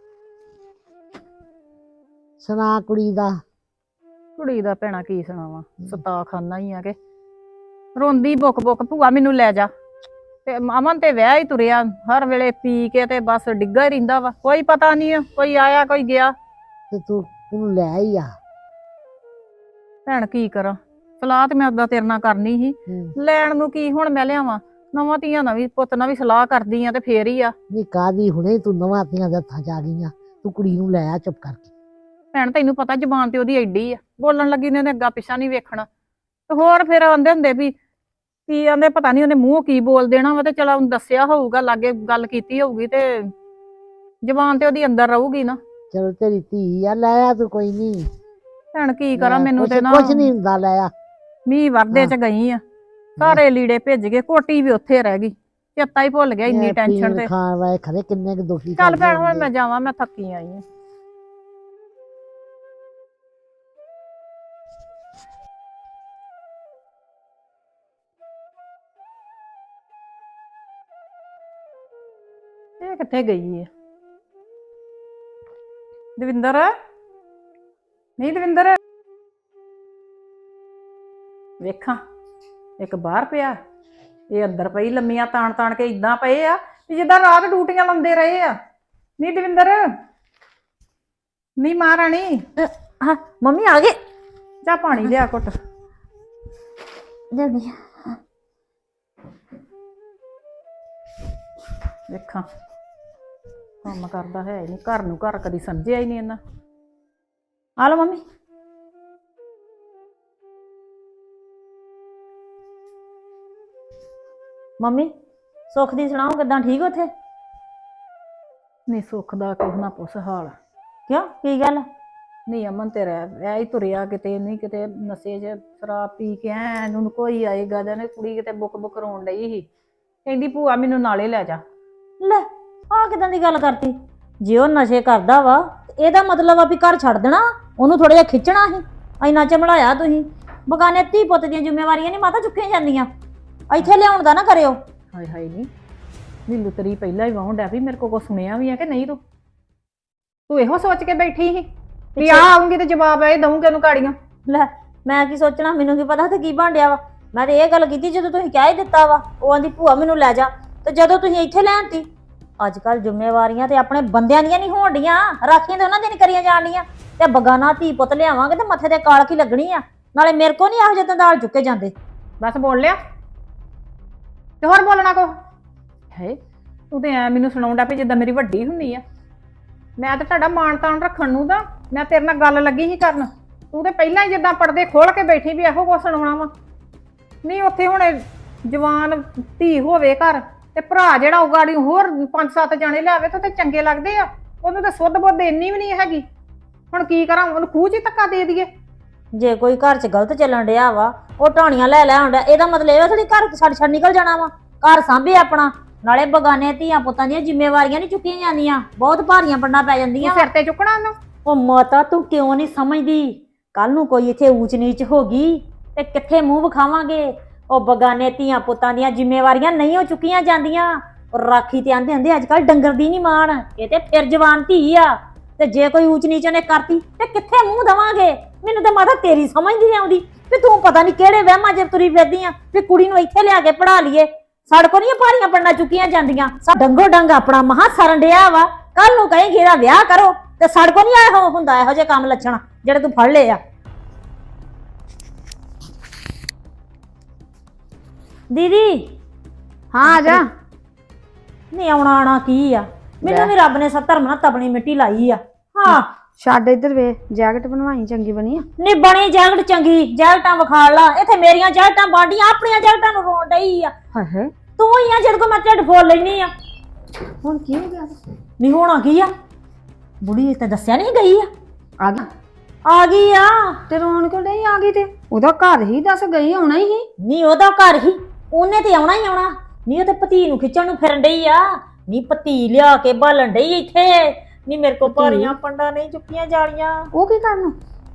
E: ਸੁਣਾ ਕੁੜੀ ਦਾ?
F: ਕੁੜੀ ਦਾ ਭੈਣਾ ਕੀ ਸੁਣਾਵਾਂ, ਸਤਾ ਖਾਨਾ ਹੀ ਆ ਕਿ ਰੋਂਦੀ ਬੁੱਕ ਬੁੱਕ ਭੂਆ ਮੈਨੂੰ ਲੈ ਜਾ। ਤੇ ਅਮਨ ਤੇ ਵਿਆਹ ਹੀ ਤੁਰਿਆ, ਹਰ ਵੇਲੇ ਪੀ ਕੇ ਤੇ ਬਸ ਡਿੱਗਾ ਹੀ ਰਹਿੰਦਾ ਵਾ। ਕੋਈ ਪਤਾ ਨਹੀਂ ਕੋਈ ਆਇਆ ਕੋਈ ਗਿਆ।
E: ਤੇ ਤੂੰ ਉਹਨੂੰ ਲੈ ਹੀ ਆ।
F: ਭੈਣ ਕੀ ਕਰਾਂ, ਸਲਾਹ ਤੇ ਮੈਂ ਉਦਾਂ ਤੇਰੇ ਨਾਲ ਕਰਨੀ ਸੀ।
E: ਹੂੰ।
F: ਲੈਣ ਨੂੰ ਕੀ ਹੁਣ ਮੈਂ ਲਿਆਵਾਂ, ਨਵਾਂ ਧੀਆਂ ਨਾਲ ਵੀ ਪੁੱਤ ਨਾਲ ਵੀ ਸਲਾਹ ਕਰਦੀ ਆ ਤੇ ਫੇਰ ਹੀ ਆ।
E: ਨਹੀਂ ਕਾਦੀ ਹੁਣੇ ਤੂੰ ਨਵਾਂ ਧੀਆਂ ਦੇ ਹੱਥਾਂ ਚ ਆ ਗਈਆਂ। ਤੂੰ ਕੁੜੀ ਨੂੰ ਲੈ ਆ ਚੁੱਪ ਕਰਕੇ।
F: ਭੈਣ ਤੈਨੂੰ ਪਤਾ ਜ਼ਬਾਨ ਤੇ ਉਹਦੀ ਐਡੀ ਆ, ਬੋਲਣ ਲੱਗੀ ਨੇ ਉਹਨੇ ਅੱਗਾ ਪਿੱਛਾ ਨਹੀਂ ਵੇਖਣਾ। ਤੇ ਹੋਰ ਫਿਰ ਆਂਦੇ ਹੁੰਦੇ ਵੀ ਕੀ ਆਂਦੇ ਪਤਾ ਨਹੀਂ ਉਹਨੇ ਮੂੰਹ ਕੀ ਬੋਲ ਦੇਣਾ ਵਾ। ਤੇ ਚਲ ਉਹਨੂੰ ਦੱਸਿਆ ਹੋਊਗਾ, ਲਾਗੇ ਗੱਲ ਕੀਤੀ ਹੋਊਗੀ ਤੇ ਜ਼ਬਾਨ ਤੇ ਉਹਦੀ ਅੰਦਰ ਰਹੂਗੀ ਨਾ।
E: ਚਲੋ ਤੇਰੀ ਧੀ ਆ, ਲੈ ਆ ਤੂੰ, ਕੋਈ ਨਹੀਂ।
F: ਭੈਣ ਕੀ ਕਰਾਂ, ਮੈਨੂੰ ਤੇ ਨਾ
E: ਕੁਛ ਨਹੀਂ ਹੁੰਦਾ, ਲੈ ਆ।
F: ਮੀਂਹ ਵਰਦੇ ਚ ਗਈ ਆ, ਸਾਰੇ ਲੀੜੇ ਭਿੱਜ ਗਏ, ਕੋਟੀ ਵੀ ਉੱਥੇ ਰਹਿ ਗਈ, ਚੇਤਾ ਹੀ ਭੁੱਲ ਗਿਆ ਇੰਨੀ ਟੈਨਸ਼ਨ ਤੇ।
E: ਖਾਣ ਵਾਲੇ ਖਰੇ ਕਿੰਨੇ ਕੁ ਦੁਖੀ
F: ਚੱਲ
E: ਕਰਦੇ
F: ਭੈਣ ਹੁਣ
E: ਹੁੰਦੇ।
F: ਮੈਂ ਜਾਵਾਂ, ਮੈਂ ਥੱਕੀ ਆਈ ਆ। ਇਹ ਕਿੱਥੇ ਗਈ ਹੈ ਦਵਿੰਦਰ? ਨਹੀਂ ਦਵਿੰਦਰ, ਵੇਖਾਂ ਇੱਕ ਬਾਹਰ ਪਿਆ, ਇਹ ਅੰਦਰ ਪਈ ਲੰਮੀਆਂ ਤਾਣ ਤਾਣ ਕੇ ਇਦਾਂ ਪਏ ਆ ਵੀ ਜਿੱਦਾਂ ਰਾਤ ਡਿਊਟੀਆਂ ਲਾਉਂਦੇ ਰਹੇ ਆ। ਨੀ ਦਵਿੰਦਰ, ਨੀ ਮਹਾਰਾਣੀ,
A: ਹਾਂ ਮੰਮੀ ਆ ਗਏ।
F: ਜਾ ਪਾਣੀ ਲਿਆ ਘੁੱਟ।
A: ਜਲਦੀ
F: ਵੇਖਾਂ ਕੰਮ ਕਰਦਾ ਹੈ ਨਹੀਂ, ਘਰ ਨੂੰ ਘਰ ਕਦੀ ਸਮਝਿਆ ਹੀ ਨਹੀਂ ਇਹਨਾਂ।
A: ਆ ਲਓ ਮੰਮੀ। ਮੰਮੀ ਸੁੱਖ ਦੀ ਸੁਣਾਓ, ਕਿੱਦਾਂ ਠੀਕ ਉੱਥੇ?
F: ਨਹੀਂ ਸੁੱਖ ਦਾ ਕੁਛ ਨਾ ਪੁੱਛ ਹਾਲ।
A: ਕਿਉਂ ਕੀ ਗੱਲ?
F: ਨਹੀਂ ਅਮਨ ਤੇ ਰਹਿ ਐ ਹੀ ਤੁਰਿਆ, ਕਿਤੇ ਨਹੀਂ ਕਿਤੇ ਨਸ਼ੇ 'ਚ ਸ਼ਰਾਬ ਪੀ ਕੇ ਐ ਇਹਨੂੰ ਕੋਈ ਆਏਗਾ ਜਾਂ ਕੁੜੀ ਕਿਤੇ ਬੁੱਕ ਬੁੱਕ ਰੋਣ ਡਈ ਸੀ, ਕਹਿੰਦੀ ਭੂਆ ਮੈਨੂੰ ਨਾਲੇ ਲੈ ਜਾ।
A: ਲੈ ਆ ਕਿਦਾਂ ਦੀ ਗੱਲ ਕਰਤੀ? ਜੇ ਉਹ ਨਸ਼ੇ ਕਰਦਾ ਵਾ ਇਹਦਾ ਮਤਲਬ ਆ ਵੀ ਘਰ ਛੱਡ ਦੇਣਾ, ਉਹਨੂੰ ਥੋੜਾ ਜਿਹਾ ਖਿੱਚਣਾ ਸੀ। ਇੰਨਾ ਚਮੜਾਇਆ ਤੁਸੀਂ। ਬਗਾਨੇ ਧੀ ਪੁੱਤ ਦੀਆਂ ਜ਼ਿੰਮੇਵਾਰੀਆਂ ਨਹੀਂ ਮਾਤਾ ਚੁੱਕੀਆਂ ਜਾਂਦੀਆਂ, ਇੱਥੇ ਲਿਆਉਣ ਦਾ ਨਾ ਕਰਿਓ।
F: ਹਾਏ ਹਾਏ ਨਹੀਂ ਨੀ ਲੁਤਰੀ ਪਹਿਲਾਂ ਹੀ ਵਾਹੁਣ ਡਿਆ ਵੀ ਮੇਰੇ ਕੋਲ ਕੁਛ ਸੁਣਿਆ ਵੀ ਆ ਕਿ ਨਹੀਂ। ਤੂੰ ਤੂੰ ਇਹੋ ਸੋਚ ਕੇ ਬੈਠੀ ਸੀ ਵੀ ਆ ਆਉਂਗੀ ਤੇ ਜਵਾਬ ਇਹ ਦਊਂਗੇ ਉਹਨੂੰ ਗਾੜੀਆਂ।
A: ਲੈ ਮੈਂ ਕੀ ਸੋਚਣਾ, ਮੈਨੂੰ ਕੀ ਪਤਾ ਤੇ ਕੀ ਬਣ ਡਿਆ ਵਾ। ਮੈਂ ਤੇ ਇਹ ਗੱਲ ਕੀਤੀ ਜਦੋਂ ਤੁਸੀਂ ਕਹਿ ਹੀ ਦਿੱਤਾ ਵਾ, ਉਹ ਆਂਦੀ ਭੂਆ ਮੈਨੂੰ ਲੈ ਜਾ, ਤੇ ਜਦੋਂ ਤੁਸੀਂ ਇੱਥੇ ਲੈਣਤੀ। ਅੱਜ ਕੱਲ ਜ਼ਿੰਮੇਵਾਰੀਆਂ ਤੇ ਆਪਣੇ ਬੰਦਿਆਂ ਦੀਆਂ ਨਹੀਂ ਹੋਣ ਡੀਆਂ, ਰਾਖੀਆਂ ਤੇ ਉਹਨਾਂ ਦੀਆਂ ਨਹੀਂ ਕਰੀਆਂ ਜਾਣੀਆਂ। ਤੇ ਬਗਾਨਾ ਧੀ ਪੁੱਤ ਲਿਆਵਾਂਗੇ ਤੇ ਮੱਥੇ ਤੇ ਕਾਲਖ ਹੀ ਲੱਗਣੀ ਆ। ਨਾਲੇ ਮੇਰੇ ਕੋ ਨਹੀਂ ਇਹੋ ਜਿਹੇ ਦਾਲ ਚੁੱਕੇ ਜਾਂਦੇ।
F: ਬਸ ਬੋਲ ਲਿਆ ਤੇ ਹੋਰ ਬੋਲਣਾ ਕੋ ਹੈ। ਤੂੰ ਤੇ ਐ ਮੈਨੂੰ ਸੁਣਾਉਂਦਾ ਵੀ ਜਿੱਦਾਂ ਮੇਰੀ ਵੱਡੀ ਹੁੰਦੀ ਆ। ਮੈਂ ਤਾਂ ਤੁਹਾਡਾ ਮਾਣ ਤਾਣ ਰੱਖਣ ਨੂੰ ਤਾਂ ਮੈਂ ਤੇਰੇ ਨਾਲ ਗੱਲ ਲੱਗੀ ਸੀ ਕਰਨ। ਤੂੰ ਤੇ ਪਹਿਲਾਂ ਹੀ ਜਿੱਦਾਂ ਪਰਦੇ ਖੋਲ ਕੇ ਬੈਠੀ ਵੀ ਇਹੋ ਕੁਛ ਸੁਣਾਉਣਾ ਵਾ। ਨਹੀਂ ਉੱਥੇ ਹੁਣ ਜਵਾਨ ਧੀ ਹੋਵੇ ਘਰ ਤੇ ਭਰਾ ਜਿਹੜਾ ਉਹ ਗਾੜੀ ਹੋਰ ਪੰਜ ਸੱਤ ਜਾਣੇ ਲਿਆਵੇ ਤਾਂ ਤੇ ਚੰਗੇ ਲੱਗਦੇ ਆ। ਉਹਨੂੰ ਤਾਂ ਸੁੱਧ ਬੁੱਧ ਇੰਨੀ ਵੀ ਨਹੀਂ ਹੈਗੀ। ਹੁਣ ਕੀ ਕਰਾਂ, ਉਹਨੂੰ ਖੂਹ 'ਚ ਹੀ ਧੱਕਾ ਦੇ ਦਈਏ।
A: ਜੇ ਕੋਈ ਘਰ 'ਚ ਗਲਤ ਚੱਲਣ ਡਿਆ ਵਾ, ਉਹ ਢਾਣੀਆਂ ਲੈ ਲੈ ਆਉਂਦਾ, ਇਹਦਾ ਮਤਲਬ ਇਹ ਥੋੜੀ ਘਰ ਛੱਡ ਛੱਡ ਨਿਕਲ ਜਾਣਾ ਵਾ। ਘਰ ਸਾਂਭੇ ਆਪਣਾ। ਨਾਲੇ ਬਗਾਨੇ ਧੀਆਂ ਪੁੱਤਾਂ ਦੀਆਂ ਜ਼ਿੰਮੇਵਾਰੀਆਂ ਨਹੀਂ ਚੁੱਕੀਆਂ ਜਾਂਦੀਆਂ, ਬਹੁਤ ਭਾਰੀਆਂ ਪੰਡਾਂ ਪੈ ਜਾਂਦੀਆਂ।
F: ਸਿਰ ਤੇ ਚੁੱਕਣਾ ਉਹਨੂੰ।
A: ਉਹ ਮਾਤਾ ਤੂੰ ਕਿਉਂ ਨਹੀਂ ਸਮਝਦੀ? ਕੱਲ ਨੂੰ ਕੋਈ ਇੱਥੇ ਊਚ ਨੀਚ ਹੋ ਗਈ ਤੇ ਕਿੱਥੇ ਮੂੰਹ ਵਿਖਾਵਾਂਗੇ? ਉਹ ਬਗਾਨੇ ਧੀਆਂ ਪੁੱਤਾਂ ਦੀਆਂ ਜ਼ਿੰਮੇਵਾਰੀਆਂ ਨਹੀਂ ਉਹ ਚੁੱਕੀਆਂ ਜਾਂਦੀਆਂ। ਰਾਖੀ ਤੇ ਆਂਦੇ ਹੁੰਦੇ ਅੱਜ ਕੱਲ ਡੰਗਰ ਦੀ ਨਹੀਂ ਮਾਣ, ਇਹ ਤੇ ਫਿਰ ਜਵਾਨ ਧੀ ਆ। ਤੇ ਜੇ ਕੋਈ ਊਚ ਨੀਚ ਨੇ ਕਰਤੀ ਤੇ ਕਿੱਥੇ ਮੂੰਹ ਦਵਾਂਗੇ? ਮੈਨੂੰ ਤਾਂ ਮਾਤਾ ਤੇਰੀ ਸਮਝ ਨਹੀਂ ਆਉਂਦੀ ਵੀ ਤੂੰ ਪਤਾ ਨਹੀਂ ਕਿਹੜੇ ਵਹਿਮਾਂ 'ਚ ਤੁਰੀ ਫਿਰਦੀ ਆ ਵੀ ਕੁੜੀ ਨੂੰ ਇੱਥੇ ਲਿਆ ਕੇ ਪੜਾ ਲਈਏ। ਸਾਡੇ ਕੋਲ ਨਹੀਂ ਭਾਰੀਆਂ ਪੰਡਾਂ ਚੁੱਕੀਆਂ ਜਾਂਦੀਆਂ। ਡੰਗੋ ਡੰਗ ਆਪਣਾ ਮਹਾ ਸਰਨ ਡਿਆ ਵਾ। ਕੱਲ ਨੂੰ ਕਹੇਂਗੀ ਇਹਦਾ ਵਿਆਹ ਕਰੋ ਤੇ ਸਾਡੇ ਕੋਲ ਨਹੀਂ ਆਇਆ ਹੁੰਦਾ ਇਹੋ ਜਿਹੇ ਕੰਮ ਲੱਛਣ ਜਿਹੜੇ ਤੂੰ ਫੜ ਲਏ ਆ। ਦੀਦੀ
B: ਹਾਂ ਆ ਜਾ।
A: ਨਹੀਂ ਆਉਣਾ ਆਣਾ ਕੀ ਆ? ਮੈਨੂੰ ਵੀ ਰੱਬ ਨੇ ਸੱਤਰ ਮਨਾ ਤਪਣੀ ਮਿੱਟੀ ਲਾਈ ਆ। ਹਾਂ
B: ਛੱਡ ਇੱਧਰ ਵੇ, ਜੈਕਟ ਬਣਵਾਈ ਚੰਗੀ ਬਣੀ ਆ।
A: ਨਹੀਂ ਬਣੀ ਜੈਕਟ ਚੰਗੀ, ਜੈਕਟਾਂ ਵਿਖਾੜ ਲਾ। ਇੱਥੇ ਮੇਰੀਆਂ ਜੈਕਟਾਂ ਬਾਡੀਆਂ ਆਪਣੀਆਂ ਜੈਕਟਾਂ ਨੂੰ ਰੋਣ ਡਈ ਆ।
B: ਹਾਏ ਹਾਏ
A: ਤੂੰ ਹੀ ਆ ਜਿਹਦੇ ਕੋਲ ਮੈਂ ਢਿੱਡ ਫੋਲ ਲੈਣੀ ਆ।
B: ਹੁਣ ਕੀ ਹੋ ਗਿਆ?
A: ਨਹੀਂ ਹੋਣਾ ਕੀ ਆ? ਬੁੜੀ ਤੇ ਦੱਸਿਆ ਨਹੀਂ ਗਈ ਆ।
B: ਆ ਗਈ
A: ਆ ਗਈ ਆ।
B: ਤੇ ਰੋਣ ਕਿਉਂ ਨਹੀਂ ਆ ਗਈ? ਤੇ ਉਹਦਾ ਘਰ ਹੀ ਦੱਸ ਗਈ, ਆਉਣਾ ਹੀ ਸੀ।
A: ਨਹੀਂ ਉਹਦਾ ਘਰ ਹੀ, ਉਹਨੇ ਤੇ ਆਉਣਾ ਹੀ ਆਉਣਾ। ਨਹੀਂ ਉਹ ਤੇ ਭਤੀ ਨੂੰ ਖਿੱਚਣ ਨੂੰ ਫਿਰਨ ਡਈ ਆ। ਨਹੀਂ ਭਤੀ ਲਿਆ ਕੇ ਬਾਲਣ ਡਈ ਇੱਥੇ। ਨਹੀਂ ਮੇਰੇ ਕੋਲ ਭਾਰੀਆਂ ਪੰਡਾਂ ਨਹੀਂ ਚੁੱਕੀਆਂ ਜਾਣੀਆਂ।
B: ਉਹ ਕੀ ਕਰਨ?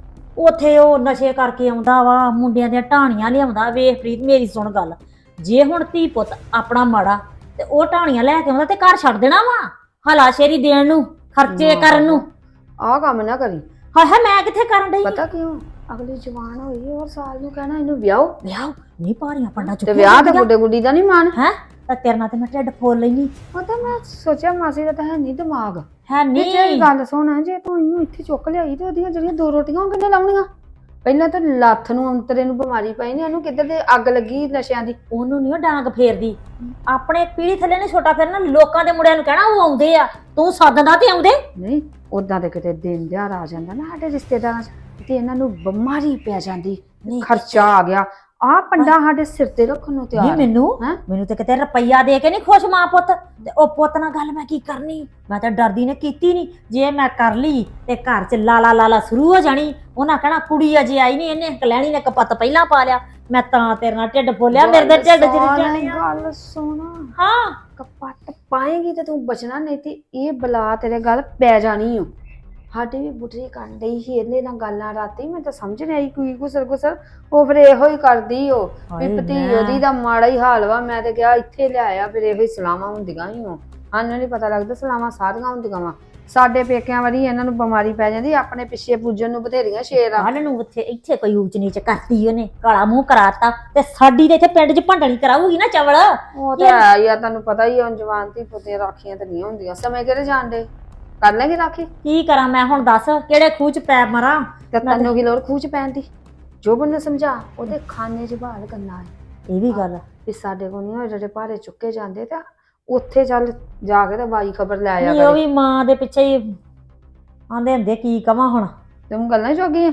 A: ਉੱਥੇ ਉਹ ਨਸ਼ੇ ਕਰਕੇ ਆਉਂਦਾ ਵਾ, ਮੁੰਡਿਆਂ ਦੀਆਂ ਢਾਣੀਆਂ ਲਿਆਉਂਦਾ। ਵੇਖ ਪ੍ਰੀਤ ਮੇਰੀ ਸੁਣ ਗੱਲ, ਜੇ ਹੁਣ ਧੀ ਪੁੱਤ ਆਪਣਾ ਮਾੜਾ ਤੇ ਉਹ ਢਾਣੀਆਂ ਲੈ ਕੇ ਆਉਂਦਾ ਤੇ ਘਰ ਛੱਡ ਦੇਣਾ ਵਾ ਹਲਾ ਸ਼ੇਰੀ ਦੇਣ ਨੂੰ, ਖਰਚੇ ਕਰਨ ਨੂੰ।
B: ਆਹ ਕੰਮ ਨਾ ਕਰੀ।
A: ਹਾਏ ਹਾਏ ਮੈਂ ਕਿੱਥੇ ਕਰਨ ਡਈ?
B: ਪਤਾ ਕਿਉਂ? ਅਗਲੀ ਜਵਾਨ ਹੋਈ ਔਰ ਸਾਲ ਨੂੰ ਕਹਿਣਾ ਇਹਨੂੰ ਵਿਆਹੋ।
A: ਵਿਆਹ ਨਹੀਂ ਭਾਰੀਆਂ ਪੰਡਾਂ
B: ਤੇ
A: ਚੁੱਕੀਆਂ
B: ਵਿਆਹ ਤੇ ਗੁੱਡੇ ਗੁੱਡੀ ਦਾ ਨਹੀਂ ਮਾਣ
A: ਹੈ। ਤਾਂ ਤੇਰੇ ਨਾਲ ਤੇ ਮੈਂ ਢਿੱਡ ਫੋਲ ਲੈਣੀ।
B: ਉਹ ਤਾਂ ਮੈਂ ਸੋਚਿਆ ਮਾਸੀ ਦਾ ਤਾਂ ਹੈ ਨਹੀਂ ਦਿਮਾਗ।
A: ਹੈ
B: ਤੇ ਜੇ
A: ਨਹੀਂ
B: ਗੱਲ ਸੁਣ, ਜੇ ਤੂੰ ਇਹਨੂੰ ਇੱਥੇ ਚੁੱਕ ਲਿਆਈ ਤੇ ਉਹਦੀਆਂ ਜਿਹੜੀਆਂ ਦੋ ਰੋਟੀਆਂ ਉਹ ਕਿੱਥੇ ਲਾਉਣੀਆਂ? ਪਹਿਲਾਂ ਤਾਂ ਲੱਥ ਨੂੰ ਅੰਤਰੇ ਨੂੰ ਬਿਮਾਰੀ ਪਈ ਨੇ, ਇਹਨੂੰ ਕਿੱਧਰ ਦੇ ਅੱਗ ਲੱਗੀ ਨਸ਼ਿਆਂ ਦੀ।
A: ਉਹਨੂੰ ਨਹੀਂ ਉਹ ਡਾਂਗ ਫੇਰਦੀ। ਆਪਣੇ ਪੀੜੀ ਥੱਲੇ ਨੇ ਛੋਟਾ ਫੇਰਨਾ। ਲੋਕਾਂ ਦੇ ਮੁੰਡਿਆਂ ਨੂੰ ਕਹਿਣਾ ਉਹ ਆਉਂਦੇ ਆ, ਤੂੰ ਸੱਦਦਾ ਤੇ ਆਉਂਦੇ
B: ਨਹੀਂ। ਉਦਾਂ ਦੇ ਕਿਤੇ ਦਿਨ ਦਿਹਾੜ ਆ ਜਾਂਦਾ ਨਾ ਸਾਡੇ ਰਿਸ਼ਤੇਦਾਰਾਂ 'ਚ ਤੇ ਇਹਨਾਂ ਨੂੰ ਬਿਮਾਰੀ ਪੈ ਜਾਂਦੀ। ਖਰਚਾ ਆ ਗਿਆ। ਆਹ ਪੰਡਾ ਸਾਡੇ ਸਿਰ ਤੇ ਰੱਖਣ ਨੂੰ ਤਿਆਰ।
A: ਨਹੀਂ ਮੈਨੂੰ
B: ਹੈਂ?
A: ਮੈਨੂੰ ਤੇ ਕਿਤੇ ਰੁਪਈਆ ਦੇ ਕੇ ਨਹੀਂ ਖੁਸ਼ ਮਾਂ ਪੁੱਤ। ਤੇ ਉਹ ਪੁੱਤ ਨਾਲ ਗੱਲ ਮੈਂ ਕੀ ਕਰਨੀ? ਮੈਂ ਤਾਂ ਡਰਦੀ ਨੇ ਕੀਤੀ ਨਹੀਂ। ਜੇ ਮੈਂ ਕਰ ਲਈ ਤੇ ਘਰ 'ਚ ਲਾਲਾ ਲਾਲਾ ਸ਼ੁਰੂ ਹੋ ਜਾਣੀ। ਉਹਨਾਂ ਕਹਿਣਾ ਕੁੜੀ ਅਜੇ ਆਈ ਨਹੀਂ, ਇਹਨੇ ਕਲੈਣੀ ਨੇ ਕਪੱਤ ਪਹਿਲਾਂ ਪਾ ਲਿਆ। ਮੈਂ ਤਾਂ ਤੇਰੇ ਨਾਲ ਢਿੱਡ ਫੋਲਿਆ, ਮੇਰੇ ਦੇ ਢਿੱਡ 'ਚ ਜਾਣੀ ਆ।
B: ਗੱਲ ਸੁਣ,
A: ਹਾਂ
B: ਕਪੱਤ ਪਾਏਗੀ ਤੇ ਤੂੰ ਬਚਣਾ, ਨਹੀਂ ਤੇ ਇਹ ਬਲਾ ਤੇਰੇ ਗੱਲ ਪੈ ਜਾਣੀ ਓ। ਸਾਡੀ ਵੀ ਬੁੱਢੀ ਕਰਨ ਡਈ ਸੀ ਇਹਦੇ ਨਾਲ ਗੱਲਾਂ ਰਾਤੀ। ਮੈਂ ਤਾਂ ਸਮਝ ਨਹੀਂ ਆਈ ਕੋਈ ਗੁਸਰ ਗੁਸਰ। ਉਹ ਫਿਰ ਇਹੋ ਹੀ ਕਰਦੀ ਓ ਵੀ ਭਤੀ ਉਹਦੀ ਦਾ ਮਾੜਾ ਹੀ ਹਾਲ ਵਾ। ਮੈਂ ਤੇ ਕਿਹਾ ਇੱਥੇ ਲਿਆਇਆ, ਫਿਰ ਇਹੋ ਹੀ ਸਲਾਮਾਂ ਹੁੰਦੀਆਂ ਹੀ ਉਹ। ਸਾਨੂੰ ਨਹੀਂ ਪਤਾ ਲੱਗਦਾ ਸਲਾਮਾਂ ਸਾਰੀਆਂ ਹੁੰਦੀਆਂ ਵਾ। ਸਾਡੇ ਪੇਕਿਆਂ ਵਾਰੀ ਇਹਨਾਂ ਨੂੰ ਬਿਮਾਰੀ ਪੈ ਜਾਂਦੀ, ਆਪਣੇ ਪਿੱਛੇ ਪੂਜਣ ਨੂੰ ਬਥੇਰੀਆਂ ਸ਼ੇਰ ਆ।
A: ਕੱਲ ਨੂੰ ਉੱਥੇ ਇੱਥੇ ਕੋਈ ਊਚ ਨੀਚ ਕਰਤੀ ਉਹਨੇ, ਕਾਲਾ ਮੂੰਹ ਕਰਾਤਾ ਤੇ ਸਾਡੀ ਤੇ ਇੱਥੇ ਪਿੰਡ 'ਚ ਭੰਡਣੀ ਕਰਾਊਗੀ ਨਾ ਚਵਲ।
B: ਉਹ ਤਾਂ ਹੈ ਹੀ ਆ, ਤੁਹਾਨੂੰ ਪਤਾ ਹੀ ਆ ਹੁਣ ਜਵਾਨ ਧੀ ਪੁੱਤੀਆਂ ਰਾਖੀਆਂ ਤਾਂ ਨਹੀਂ ਹੁੰਦੀਆਂ। ਸਮੇਂ ਕਿਹੜੇ ਜਾਣਦੇ ਕਰ ਲੈਗੀ ਰਾਖੀ।
A: ਕੀ ਕਰਾਂ ਮੈਂ ਹੁਣ, ਦੱਸ ਕਿਹੜੇ ਖੂਹ 'ਚ ਪੈਰ ਮਰਾਂ।
B: ਤੇ ਤੈਨੂੰ ਕੀ ਲੋੜ ਖੂਹ ਚ ਪੈਣ ਦੀ? ਜੋਬਨ ਨੂੰ ਸਮਝਾ, ਉਹਦੇ ਖਾਨੇ 'ਚ ਬਹਾਲ ਕਰਨਾ ਹੈ
A: ਇਹ ਵੀ ਗੱਲ
B: ਵੀ ਸਾਡੇ ਕੋਲ ਨਹੀਂ ਜਿਹੜੇ ਭਾਰੇ ਚੁੱਕੇ ਜਾਂਦੇ ਤਾਂ ਉੱਥੇ ਚੱਲ ਜਾ ਕੇ ਤੇ ਬਾਈ ਖਬਰ ਲੈ ਆਇਆ
A: ਨਹੀਂ, ਉਹ
B: ਕਰੇ।
A: ਵੀ ਮਾਂ ਦੇ ਪਿੱਛੇ ਹੀ ਆਂਦੇ ਹੁੰਦੇ, ਕੀ ਕਵਾਂ ਹੁਣ।
B: ਤੂੰ ਗੱਲਾਂ ਹੀ ਚੋਗੀ ਆ।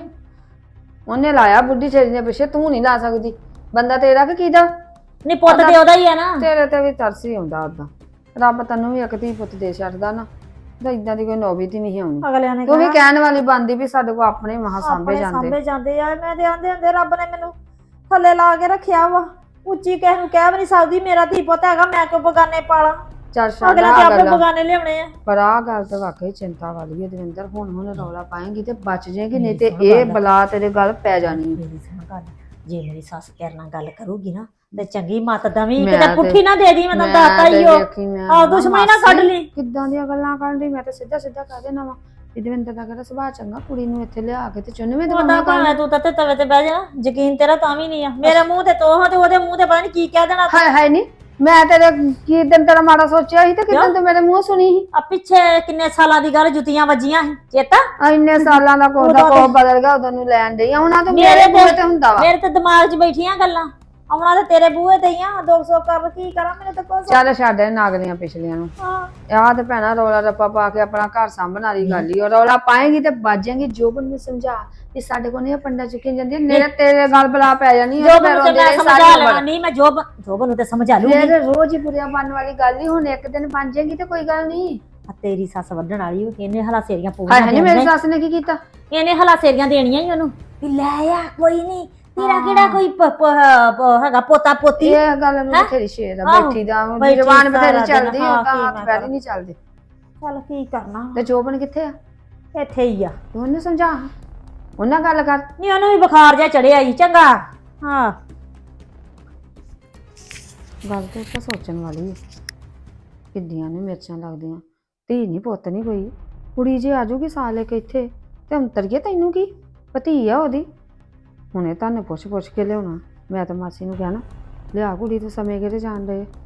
B: ਉਹਨੇ ਲਾਇਆ ਬੁੱਢੀ ਛੇੜੀ ਦੇ ਪਿੱਛੇ, ਤੂੰ ਨਹੀਂ ਲਾ ਸਕਦੀ। ਬੰਦਾ ਤੇਰਾ ਕਿ ਕਿਹਦਾ?
A: ਨਹੀਂ ਪੁੱਤ ਤੇ ਉਹਦਾ ਹੀ ਆ ਨਾ।
B: ਤੇਰੇ ਤੇ ਵੀ ਤਰਸ ਹੀ ਆਉਂਦਾ ਉਦਾਂ। ਰੱਬ ਤੈਨੂੰ ਵੀ ਇੱਕ ਧੀ ਪੁੱਤ ਦੇ ਛੱਡਦਾ ਨਾ, ਤਾਂ ਇਦਾਂ ਦੀ ਕੋਈ ਨੌਬਤ ਹੀ ਨਹੀਂ ਆਉਣੀ।
A: ਅਗਲਿਆਂ ਨੇ
B: ਤੂੰ ਵੀ ਕਹਿਣ ਵਾਲੀ ਬੰਦੀ ਵੀ ਸਾਡੇ ਕੋਲ ਆਪਣੇ ਮਹਾ ਸਾਂਭੇ ਜਾਂਦੇ।
A: ਸਾਂਭੇ ਜਾਂਦੇ ਆ। ਮੈਂ ਤੇ ਆਂਦੇ ਹੁੰਦੇ ਰੱਬ ਨੇ ਮੈਨੂੰ ਥੱਲੇ ਲਾ ਕੇ ਰੱਖਿਆ ਵਾ, ਉੱਚੀ ਕਿਸੇ ਨੂੰ ਕਹਿ ਵੀ ਨਹੀਂ ਸਕਦੀ ਮੇਰਾ ਧੀ ਪੁੱਤ ਹੈਗਾ, ਮੈਂ ਕਿਉਂ ਬਗਾਨੇ ਪਾਲਾਂ।
B: ਚੱਲ ਛੱਡ
A: ਅਗਲੇ ਤੇ
B: ਆ
A: ਆਪੇ
B: ਗੱਲਾਂ।
A: ਬਗਾਨੇ ਲਿਆਉਣੇ ਆ।
B: ਪਰ ਆਹ ਗੱਲ ਤਾਂ ਵਾਕਈ ਚਿੰਤਾ ਵਾਲੀ ਹੈ ਦਵਿੰਦਰ। ਹੁਣ ਹੁਣ ਰੌਲਾ ਪਾਏਂਗੀ ਤੇ ਬਚ ਜਾਏਗੀ, ਨਹੀਂ ਤੇ ਇਹ ਬਲਾ ਤੇਰੇ ਗੱਲ ਪੈ ਜਾਣੀ।
A: ਮੇਰੀ ਸੁਣ ਗੱਲ, ਜੇ ਮੇਰੀ ਸੱਸ ਤੇਰੇ ਨਾਲ ਗੱਲ ਕਰੂਗੀ ਨਾ ਤੇ ਚੰਗੀ ਮੱਤ ਦਵੀਂ,
B: ਮੈਂ
A: ਕਿਤੇ
B: ਤੇ-
A: ਪੁੱਠੀ ਨਾ ਦੇ ਦੀ। ਮੈਂ ਤਾਂ
B: ਮੈਂ
A: ਦਾਤਾ
B: ਤੇ
A: ਹੀ ਹੋ
B: ਵੇਖੀ ਮੈਂ
A: ਆਹ ਦੁਸ਼ਮਣੀ ਨਾ ਕੱਢ ਲਈ।
B: ਕਿੱਦਾਂ ਦੀਆਂ ਗੱਲਾਂ ਕਰਨ ਦੀ। ਮੈਂ ਤਾਂ ਸਿੱਧਾ ਸਿੱਧਾ ਕਹਿ ਦੇਣਾ ਵਾ ਵੀ ਦਵਿੰਦਰ ਦਾ ਕਿਹੜਾ ਸੁਭਾਅ ਚੰਗਾ, ਕੁੜੀ ਨੂੰ ਇੱਥੇ ਲਿਆ ਕੇ ਤੇ ਚੁੰਨਵੇਂ
A: ਉਹਦਾ
B: ਦਵਾਈਆਂ
A: ਭਾਵੇਂ ਤੂੰ ਤਾਂ ਤਵੇ ਤੇ ਬਹਿ ਜਾ, ਯਕੀਨ ਤੇਰਾ ਤਾਂ ਵੀ ਨਹੀਂ ਆ। ਮੇਰੇ ਮੂੰਹ ਤੇ ਤੋਹ ਤੇ ਉਹਦੇ ਮੂੰਹ ਤੇ ਪਤਾ ਨਹੀਂ ਕੀ ਕਹਿ ਦੇਣਾ।
B: ਹਾਏ ਹਾਏ ਨਹੀਂ, ਮੈਂ ਤੇਰੇ ਕੀ ਦਿਨ ਤੇਰਾ ਮਾੜਾ ਸੋਚਿਆ ਸੀ ਤੇ ਕਿਦਾਂ ਤੂੰ ਮੇਰੇ ਮੂੰਹ ਸੁਣੀ ਸੀ।
A: ਆ ਪਿੱਛੇ ਕਿੰਨੇ ਸਾਲਾਂ ਦੀ ਗੱਲ, ਜੁੱਤੀਆਂ ਵੱਜੀਆਂ ਸੀ, ਚੇਤਾ?
B: ਆ ਇੰਨੇ ਸਾਲਾਂ ਦਾ ਕੋਹ ਦਾ ਕੋਹ ਬਦਲ ਗਿਆ, ਉਦੋਂ ਨੂੰ ਲੈਣ ਡਈ ਆਉਣਾ ਤਾਂ
A: ਮੇਰੇ
B: ਮੇਰੇ
A: ਤੇ-
B: ਮੂੰਹ ਤੇ ਹੁੰਦਾ ਵਾ।
A: ਮੇਰੇ ਤੇ ਦਿਮਾਗ 'ਚ ਬੈਠੀਆਂ ਗੱਲਾਂ, ਆਉਣਾ ਤੇ ਤੇਰੇ ਬੂਹੇ ਤੇ ਹੀ ਆ। ਦੋ ਸੌ ਕਰ ਕੀ ਕਰਾਂ, ਮੈਨੂੰ ਤਾਂ ਕੁਛ
B: ਚੱਲ ਛੱਡ ਇਹ ਨਾਗਰੀਆਂ ਪਿਛਲੀਆਂ ਨੂੰ।
A: ਹਾਂ।
B: ਆਹ ਤੇ ਭੈਣਾ ਰੌਲਾ ਰੱਪਾ ਪਾ ਕੇ ਆਪਣਾ ਘਰ ਸਾਂਭਣ ਵਾਲੀ ਗੱਲ ਹੀ। ਉਹ ਰੌਲਾ ਪਾਏਗੀ ਤੇ ਬਾਜੇਗੀ। ਜੋਬਨ ਨੂੰ ਸਮਝਾ ਵੀ ਸਾਡੇ ਕੋਲ ਨਹੀਂ ਪੰਡਾ ਚੁੱਕੀ ਜਾਂਦੀ, ਮੇਰੇ ਤੇਰੇ ਗੱਲ ਬਲਾ ਪੈ ਜਾਣੀ।
A: ਜੋ ਮੈਨੂੰ ਤੇ ਮੈਂ ਸਮਝਾ ਲੈਣਾ। ਨਹੀਂ ਮੈਂ ਜੋਬ ਜੋਬ ਨੂੰ ਤੇ ਸਮਝਾ ਲੂੰਗੀ।
B: ਮੇਰੇ ਰੋਜ਼ ਹੀ ਬੁਰਿਆ ਬਣਨ ਵਾਲੀ ਗੱਲ ਨਹੀਂ। ਹੁਣ ਇੱਕ ਦਿਨ ਬਣ ਜਾਏਗੀ ਤੇ ਕੋਈ ਗੱਲ ਨਹੀਂ।
A: ਆ ਤੇਰੀ ਸੱਸ ਵੱਢਣ ਵਾਲੀ ਉਹ, ਇਹਨੇ ਹਲਾ ਸੇਰੀਆਂ
B: ਹਾਏ
A: ਪੂਰੀਆਂ
B: ਹਾਏ ਨੀ, ਮੇਰੀ
A: ਦੇਣੀਆਂ।
B: ਸੱਸ ਨੇ ਕੀ ਕੀਤਾ?
A: ਇਹਨੇ ਹਲਾ ਸੇਰੀਆਂ ਦੇਣੀਆਂ ਹੀ ਉਹਨੂੰ ਵੀ ਲੈ ਆ, ਕੋਈ ਨਹੀਂ ਤੇਰਾ ਕਿਹੜਾ ਕੋਈ ਪ- ਪ- ਪ- ਹੈਗਾ ਪੋਤਾ ਪੋਤੀ।
B: ਇਹ ਗੱਲ ਨੂੰ ਬਥੇਰੀ ਸ਼ੇਰ ਆ
A: ਆਹੋ,
B: ਬੈਠੀ ਦਾ।
A: ਬੈਠੀ
B: ਜਵਾਨ ਬਥੇਰੀ
A: ਸਾਰਾ ਦਿਨ,
B: ਚੱਲਦੀ,
A: ਹਾਂ,
B: ਉਹ ਤਾਂ
A: ਕੀ
B: ਹੱਥ
A: ਮੈਂ
B: ਪੈਰ ਹੀ
A: ਕਰਾਂ।
B: ਨਹੀਂ ਚੱਲਦੇ।
A: ਚੱਲ ਕੀ ਕਰਨਾ,
B: ਤੇ ਜੋਬਨ ਕਿੱਥੇ ਆ?
A: ਇੱਥੇ ਹੀ ਆ।
B: ਤੂੰ ਉਹਨੂੰ ਸਮਝਾ, ਉਹਨਾਂ ਗੱਲ ਕਰ।
A: ਨਹੀਂ ਉਹਨੂੰ ਵੀ ਬੁਖਾਰ ਜਿਹਾ ਚੜਿਆ ਹੀ ਚੰਗਾ। ਹਾਂ
B: ਗੱਲ ਤੇ ਤਾਂ ਸੋਚਣ ਵਾਲੀ ਹੈ। ਕਿੱਡੀਆਂ ਨੇ ਮਿਰਚਾਂ ਲੱਗਦੀਆਂ। ਧੀ ਨਹੀਂ ਪੁੱਤ ਨਹੀਂ ਕੋਈ, ਕੁੜੀ ਜੇ ਆ ਜਾਊਗੀ ਸਾਲ ਲੈ ਕੇ ਇੱਥੇ ਤੇ ਅੰਤਰੀਏ ਤੈਨੂੰ ਕੀ ਭਤੀ ਆ ਉਹਦੀ। ਹੁਣੇ ਤੁਹਾਨੂੰ ਪੁੱਛ ਪੁੱਛ ਕੇ ਲਿਆਉਣਾ। ਮੈਂ ਤਾਂ ਮਾਸੀ ਨੂੰ ਕਹਿਣਾ ਲਿਆ ਕੁੜੀ ਤੇ ਸਮੇਂ ਕਿਹੜੇ ਜਾਣ ਰਹੇ।